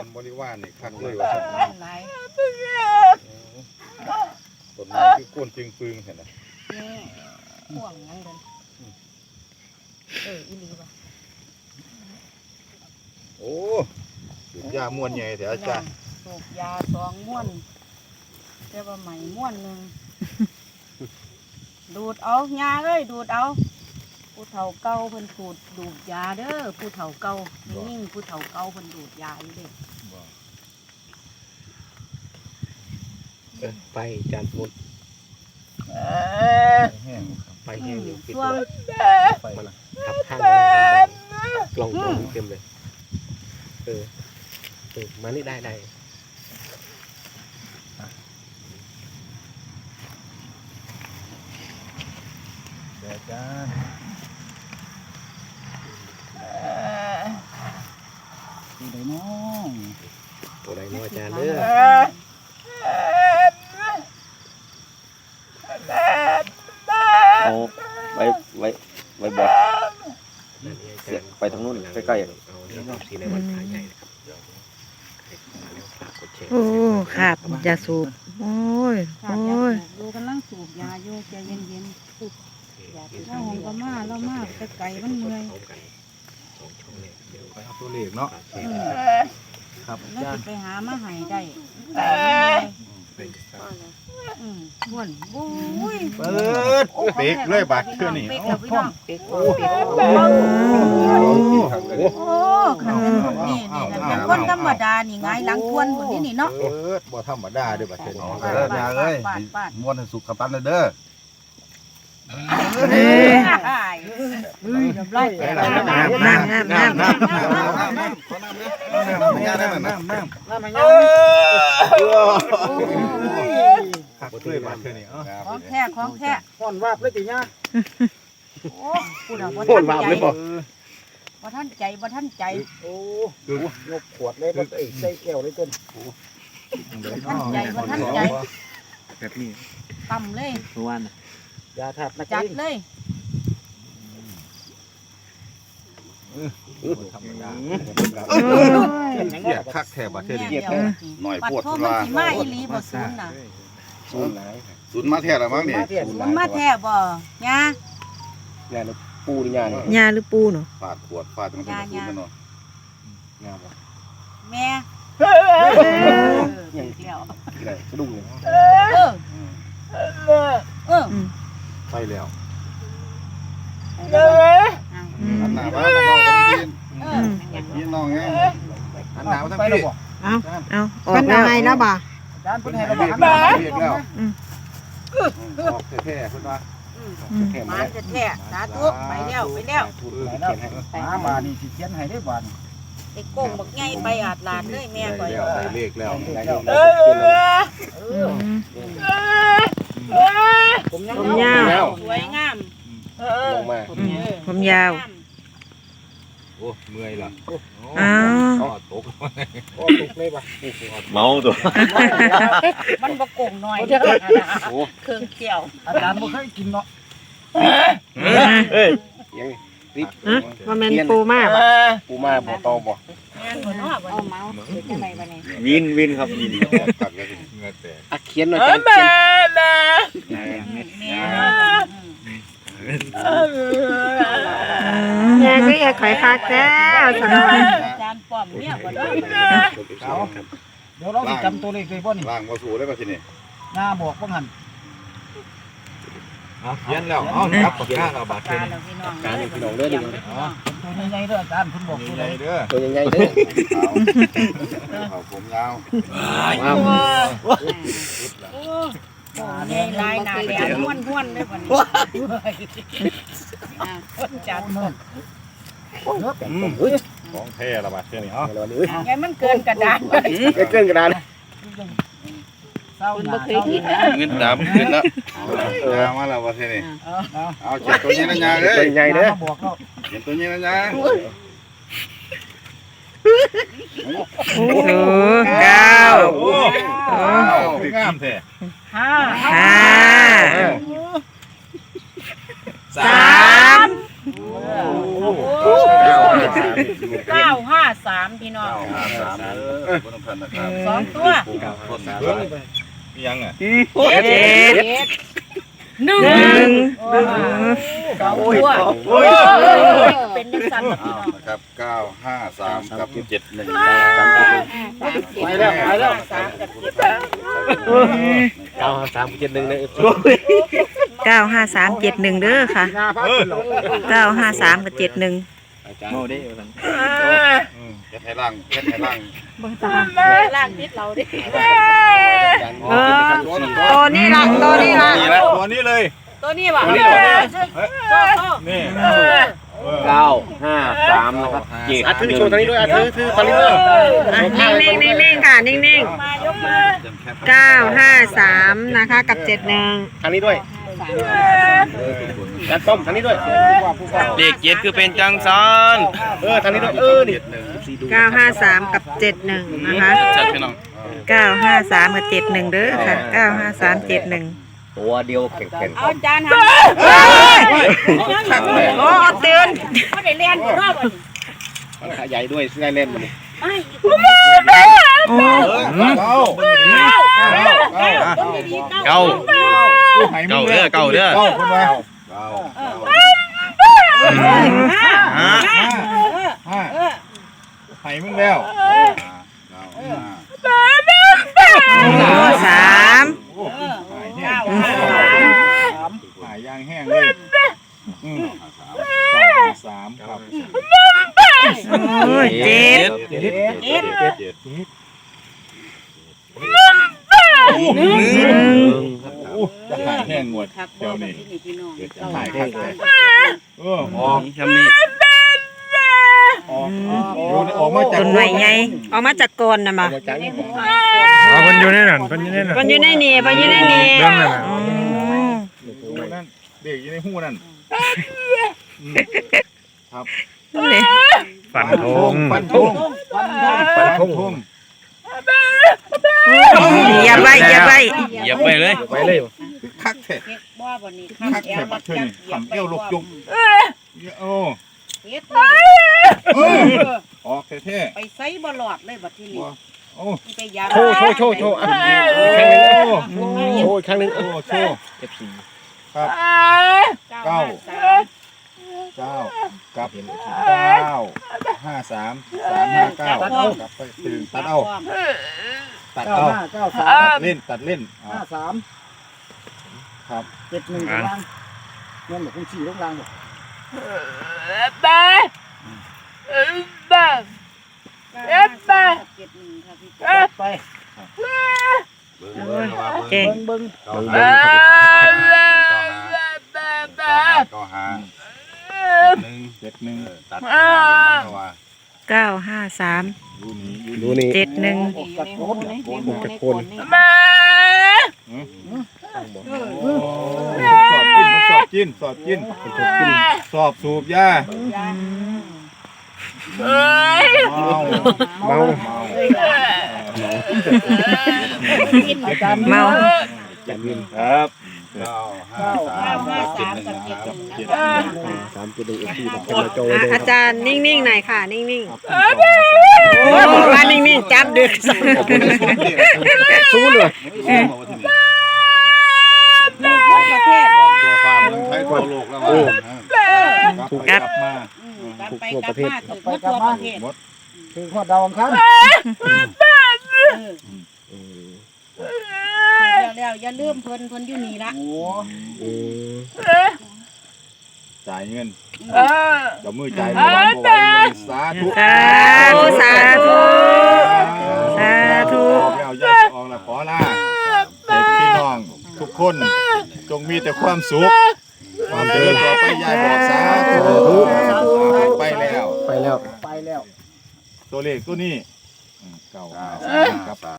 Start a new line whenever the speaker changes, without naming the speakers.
นบริวารนี่คักเลยว่า
หลาย
ต้นไม้คือก้นจึงปึงเห็นไหม
ห่วงงั้นเลยอีหลีป่ะ
โอ้สูบยาม้วนใหญ่แต่อาจารย์
สูบยา2 ม้วนแต่ว่าใหม่ม้วนหนึ่งดูดเอายาเลยดูดเอาผู้เฒ่าเก่าเพิ่นดูดยาเด้อผู้เฒ่าเก่ายิ่งผู้เฒ่าเก่าเพิ่นดูดยาอยู่เด้
ไปจานมุดไปแห้งอยู่ปิดตัวมันทับข้างกล่องเต็มเลยมานี่ได้
อาจารย์
ตัวไหนน้องอาจารย์เด้อ
เอาไว้บอกไปทางนู้นใกล้ๆ
เอาเรื่องสีในวันพระใหญ่นะครับ
โอ้ขาดยาสูบโอ้ย
ดูกำลังสูบยาโยกใจเย็นๆสูบยาเล่าหงก็มาเล่ามากแต่ไก่มันเมื่อย
ไปเอาตัวเลขเนาะครับ
แล้วจะไปหามาหายได้บ้วนบุ้ย
เปิดเป๊กเลยบาดเชื่อนี่
เป๊กแล้วพี่น้องเป๊กโอ้ขันเป็นคนนี่เป็นคนธรรมดานี่ไงหลังทวนคนนี้นี่เนาะ
บ่ธรรมดาเด้อบาดเชื่อนี่
ม้วนให้สุกกับปันเลยเด้อ
ของแท้
ห่อนวาบเลยจีน่า
โอ้พูดเอาบ่ท่านใจบ่ท่านใจ
โอ้ยกขวดเลยบ่ใส่แก้วเลยต้น
ท่านใจ
แบบนี้
ต่ำเลย
ยาถัด
จัดเลย
ธรรมดาเกียดคักแถบาเทศหน่อยปวดทุ
ลามาอีหลีบ่ศูนย์น่ะ
ศูนย์มาแท้ละมั้งนี่
ศูนย์มาแท้บ่ยา
ปูนี่
ยาหรือปูเนาะ
ฟาดขวดฟาดมันเป็นศูนย์กันเนาะ
แม่
ยังสะดุ้งเลย
ไปแล้ว
อัน
หนาบ้านน้องพี่น้องไงอันหนาวทั้งพี่
เอาออกยังไงแล้วบ่
จานเพิ่นให้เราบอกอัน
แล้วออกแท้ๆเพิ่นว่า
มาแท้สาธุไปแล้ว
มานี่สิเขียนให้ได้บ่นี่
ไอ้โก่งบักใหญ่ไปอาดลานเลยแม่ก่อย
ได้เลขแล้ว
ผมยาว
สวยงาม
ลงมา
ผมยาว
โอ้เมื่อยล่ะ
ตกเลยป่ะ
เมาตัว
มันบะโก่งน้อยเครื่องเกี่ยว
อาจารย์บ่เคยกินเนาะ
ยัง
ว่าแม่นปูมาบ่
บ่ตอบ่
เอาเมาส์จังได๋บัดนี้
วินครับวิน
ตักแล้วสิเงือแตก
เขียนหน่อยเขียน
แม่ก็อยากขายคักแท้สนอง
อาจารย์ป้อมเนี่ยบ่ได้
เดี๋ยวเราสิจำตัวเลขได้บ่นี่
ล่างบ่สู้ได้ป่ะทีนี้
หน้าบอกบ่หั่น
เขียนแล้วครับปากกาเราบาดเจ็บ
การพี่น้องเด้อดิ
ตัวใหญ่ๆเด้ออาจารย์เพิ่นบอกตัวใหญ่
เด้อ
ตัวใหญ่ๆเด้อ
เอาผมยาว
ใหญ่ลายหนาแหลมห้วนๆได้บ่นี่อาจารย์
ของแท้ละบาดเจ็บนี่
ไงมันเกินกระดาน
เกินกระดาน
คุณบ่เคยกินนะ
เงินดำขึ้นแล้วมาแล้วบาดเจ็บนี่เอาเจ็บตัวนี้นะยาเด้อ
ใหญ่เด้อ
เจ็บตัวนี้นะยา
โอ้โห9
งามแท้
5
953พี่น้อง
3บ่ต้องพันนะครับ
สองตัว
ต้นยังอ่ะ
เจ็ด
หนึ่ง
เก้า
ตัวเป็นยังสั่นกับพี่น้อง
นะครับ953กับ71
ไปแล้วไปแล้ว
3กับ7
95371นะ
95371เด้อค่ะ
หน้าพักขึ้นหรอ
953กับ71
โมได้
เฮ็ดให้ล่างเฮ็ดให้ล่าง
ล่างนิดเราดิ
ตัวนี้ล่ะตัวนี้ล่ะ
นี่แหละตัวนี้เลย
ตัวนี้ว่ะ
นี่
953นะครับเจ็ด
ถือโชว์ทางนี้ด้วยถือทางนี้ด้วย
นิ่งๆค่ะนิ่ง
มายกมา
ๆ953นะคะกับ71
ทางนี้ด้วยการต้มทางนี้ด้วย
เลข7คือเป็นจังซัน
ทางนี้ด้วยนี่
953กับ71นะคะ
จัดพี่น้อง
953กับ71เด้อค่ะ953 71
ตัวเดียวแข็ง
เอาจานท
โอ้ตื่น
ำเขาได้เรียนรอบ
ใหญ่ด้วยได้เล่นมัน
ไม่
โอ้
เก้าเก้าเด้อ
คนมาให้มึงแล้ว
3
หายยางแห้งเลย3ครับ
โอ้ย7
จะหายแห้งหมดเดี๋ยวนี้จะหายครับออก
ทำนี้
ออกมาจาก
ต้นไม้ใหญ่ออกมาจากก้นน่ะมา
จากนี้
มันอยู่ในนั่นมันอยู่ในนั่น
มันอยู่ในนี่มันอยู่ในนี่
เรื่องนั่นน่ะ
นั่นเด็กอยู่ในหูนั่น
ฝันทง
ฟันทง
อย่าไว้อย่าไว้
เหยียบไปเลย
ไปเลย
คักแท้
เก็บบ่บ่นี่
คักแท้บัดเทื่อนี่ขำเอวลกจุกโอ้
เฮ็ด
ออกแท้
ไปไสบ่หลอดเลยบัดทีนี้
ๆโอ้
ไปยา
โชว์ครั้งนึงโชว์ครั้งนึง
โอ้โชว์
FC
ครับ
9
กับ953 359กลับไปตื่นตัดเอาตัด
เก้า
เอา
ห้าเก้าสาม
ตัดเล่น
53
ครับ
71ล่างเงินหลวง4ลงล่างบ่ ไป
เก่ง
เบิ่ง
ก็หา71ตัดว่า
953
ดูนี่
71
ออกจากโคนเลย
สอบกินสอบสูบยาเมา
เมา
ครับ
953กับ71
3.1 FC แบบจะโจเลย
อาจารย์นิ่งๆหน่อยค่ะนิ่งๆโอ้มานิ่งๆจับดึก
สู้เลย
ประเทศ
ตัวฟาร์มไทยทั่วโลกแล้วกลับมา
ไปกลับมาถึงทั่วประเทศ
ถึงข้อดาวอังคาร
แล้วอย่าลืมเพิ่นอยู่นี่ละ
โอ้
จ่ายเงินเดี๋ยวมือจ่ายเมื่อวานสาธุ
สาธุสาธุสาธุ
ออกแล้วยายออกแล้วขอลาเด็กพี่น้องทุกคนจงมีแต่ความสุขความเจริญต่อไปยายบอกสาธุไปแล้ว
ไปแล้ว
ไปแล้ว
ตัวเลขตัวนี้953ครับ